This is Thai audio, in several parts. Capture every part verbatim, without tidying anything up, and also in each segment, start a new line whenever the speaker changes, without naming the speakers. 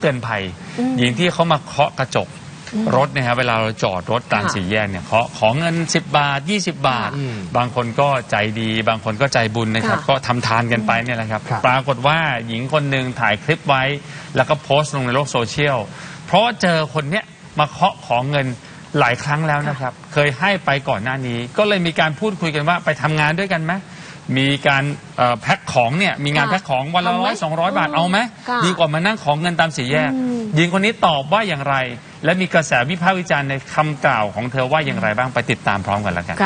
เตือนภัยหญิงที่เขามาเคาะกระจกรถเนี่ยครับเวลาเราจอดรถตามสี่แยกเนี่ยเขาขอเงินสิบบาทยี่สิบบาทบางคนก็ใจดีบางคนก็ใจบุญนะครับก็ทำทานกันไปเนี่ยแหละครับปรากฏว่าหญิงคนหนึ่งถ่ายคลิปไว้แล้วก็โพสต์ลงในโลกโซเชียลเพราะเจอคนเนี้ยมาเคาะขอเงินหลายครั้งแล้วนะครับเคยให้ไปก่อนหน้านี้ก็เลยมีการพูดคุยกันว่าไปทำงานด้วยกันไหมมีการแพ็คของเนี่ยมีงานแพ็คของวันละร้อยสองร้อยบาทเอาไหมดีกว่ามานั่งของเงินตามสี่แยกหญิงคนนี้ตอบว่าอย่างไรและมีกระแสวิพากษ์วิจารณ์ในคำกล่าวของเธอว่าอย่างไรบ้างไปติดตามพร้อมกันแล้วกัน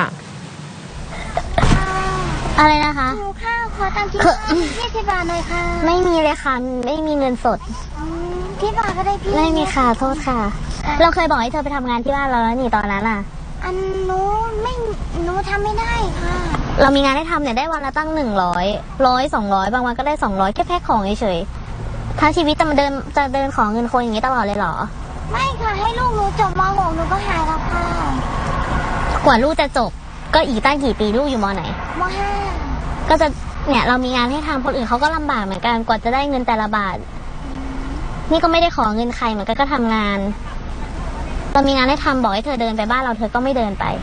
อะไรนะคะ
หิวข้าวขอตังค์ที่ยี่สิบบาทหน่อยค่ะ
ไม่มีเลยค่ะไม่มีเงินสด
ที่บ้านก็ได้พี่
ไม่มีค่ะโทษค่ะเราเคยบอกให้เธอไปทำงานที่บ้านเราแล้วนี่ตอนนั้นอ่ะ
อันหนูไม่หนูทำไม่ได้ค่ะ
เรามีงานให้ทำเนี่ยได้วันละตั้งหนึ่งร้อยร้อยสองร้อยบางวันก็ได้สองร้อยแค่แพ็คของเฉยๆทั้งชีวิตจะมาเดินจะเดินของเงินคนอย่างนี้ตลอดเลยเหรอ
ไม่ค่ะให้ลูกหนูจบม หกหนูก็หายแล้วค่ะ
กว่าลูกจะจบก็อีกตั้งกี่ปีลูกอยู่ม.ไหน
ม.ห้า
ก็จะเนี่ยเรามีงานให้ทำคนอื่นเขาก็ลำบากเหมือนกันกว่าจะได้เงินแต่ละบาทนี่ก็ไม่ได้ขอเงินใครเหมือนกันก็ทำงานเรามีงานให้ทำบอกให้เธอเดินไปบ้านเราเธอก็ไม่เดินไป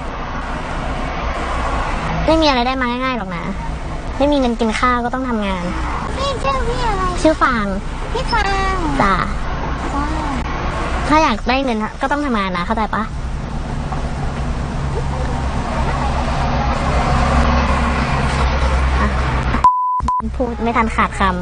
ไม่มีอะไรได้มาง่ายๆหรอกนะไม่มีเงินกินข้าวก็ต้องทำงาน
พี่ชื่อพี่อะไร
ชื่อฟาง
พี่ฟาง
จ้าถ้าอยากได้เงินก็ต้องทำงานนะเข้าใจปะพูดไม่ทันขาดคำ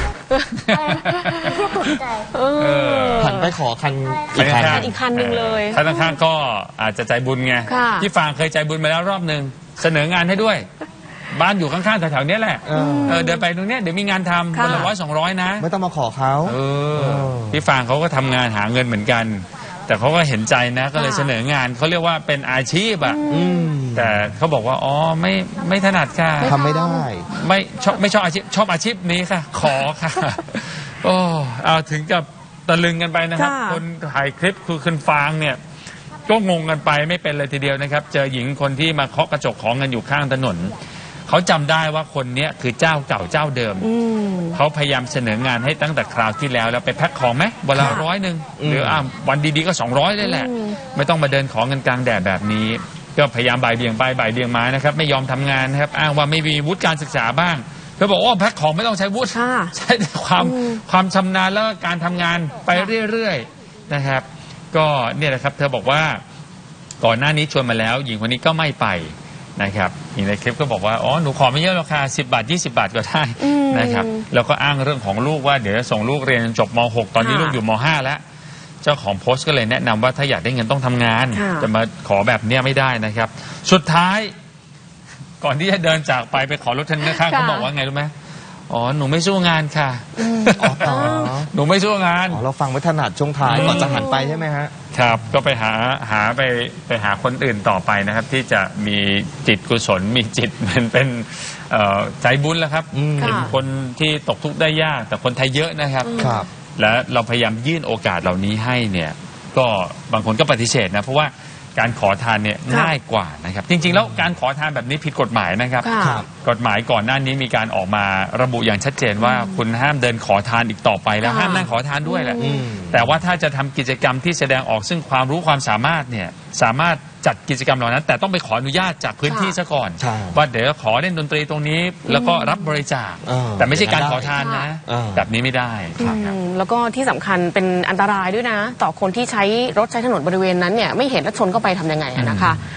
หัน
ไปขอคันอีกคัน
อีกคันหนึ่งเลย
คันข้างๆก็อาจจะใจบุญไงพี่ฟางเคยใจบุญมาแล้วรอบหนึ่งเสนองานให้ด้วยบ้านอยู่ข้างๆแถวๆนี้แหละเออเดินไปตรงนี้เดี๋ยวมีงานทำวันละร้อยสองร้อยนะ
ไม่ต้องมาขอเขา
เออพี่ฟางเขาก็ทำงานหาเงินเหมือนกันแต่เขาก็เห็นใจนะก็เลยเสนองานเขาเรียกว่าเป็นอาชีพอ่ะแต่เขาบอกว่าอ๋อไม่ไม่ถนัดค่ะ
ทำไม่ได้
ไม่ชอบไม่ชอบอาชีพชอบอาชีพนี้ค่ะขอค่ะโอ้เอาถึงกับตะลึงกันไปนะครับคนถ่ายคลิปคือคุณฟางเนี่ยก็งงกันไปไม่เป็นเลยทีเดียวนะครับเจอหญิงคนที่มาเคาะกระจกของเงินอยู่ข้างถนนเขาจำได้ว่าคนนี้คือเจ้าเก่าเจ้าเดิมเขาพยายามเสนองานให้ตั้งแต่คราวที่แล้วแล้วไปแพ็คของไหมวันละร้อยหนึ่งหรืออ่าวันดีๆก็สองร้อยได้แหละไม่ต้องมาเดินของเงินกลางแดดแบบนี้ก็พยายามบ่ายเบี่ยงไปบ่ายเบี่ยงมานะครับไม่ยอมทำงานนะครับอ้างว่าไม่มีวุฒิการศึกษาบ้างเธอบอกว่าแพ็คของไม่ต้องใช้วุฒิใช้แต่ความความชำนาญแล้วก็การทำงานไปเรื่อยๆนะครับก็เนี่ยแหละครับเธอบอกว่าก่อนหน้านี้ชวนมาแล้วหญิงคนนี้ก็ไม่ไปนะครับหญิงในคลิปก็บอกว่าอ๋อหนูขอไม่เยอะหรอกค่ะสิบบาทยี่สิบบาทก็ได้นะครับแล้วก็อ้างเรื่องของลูกว่าเดี๋ยวจะส่งลูกเรียนจบม หกตอนนี้ลูกอยู่ม ห้าแล้วเจ้าของโพสต์ก็เลยแนะนำว่าถ้าอยากได้เงินต้องทำงานจะมาขอแบบเนี้ยไม่ได้นะครับสุดท้ายก่อนที่จะเดินจากไปไปขอรถคันข้างๆเขาบอกว่าไงรู้ไหมอ๋อหนูไม่สู้งานค่ะหนูไม่สู้งาน
เราฟังไม่ถนัดช่วงท้ายก่อนจะหันไปใช่ไหมฮะ
ครับก็ไปหาหาไปไปหาคนอื่นต่อไปนะครับที่จะมีจิตกุศลมีจิตเป็นเป็นใจบุญแล้วครับเป็นคนที่ตกทุกข์ได้ยากแต่คนไทยเยอะนะครับและเราพยายามยื่นโอกาสเหล่านี้ให้เนี่ยก็บางคนก็ปฏิเสธนะเพราะว่าการขอทานเนี่ยง่ายกว่านะครับจริงๆแล้วการขอทานแบบนี้ผิดกฎหมายนะครับกฎหมายก่อนหน้านี้มีการออกมาระบุอย่างชัดเจนว่าคุณห้ามเดินขอทานอีกต่อไปแล้วห้ามนั่งขอทานด้วยแหละแต่ว่าถ้าจะทำกิจกรรมที่แสดงออกซึ่งความรู้ความสามารถเนี่ยสามารถจัดกิจกรรมเหล่านั้นแต่ต้องไปขออนุญาตจากพื้นที่ซะก่อนว่าเดี๋ยวขอเล่นดนตรีตรงนี้แล้วก็รับบริจาคแต่ไม่ใช่การขอทานนะแบบนี้ไม่ได้
แล้วก็ที่สำคัญเป็นอันตรายด้วยนะต่อคนที่ใช้รถใช้ถนนบริเวณนั้นเนี่ยไม่เห็นแล้วชนเข้าไปทำยังไงนะคะ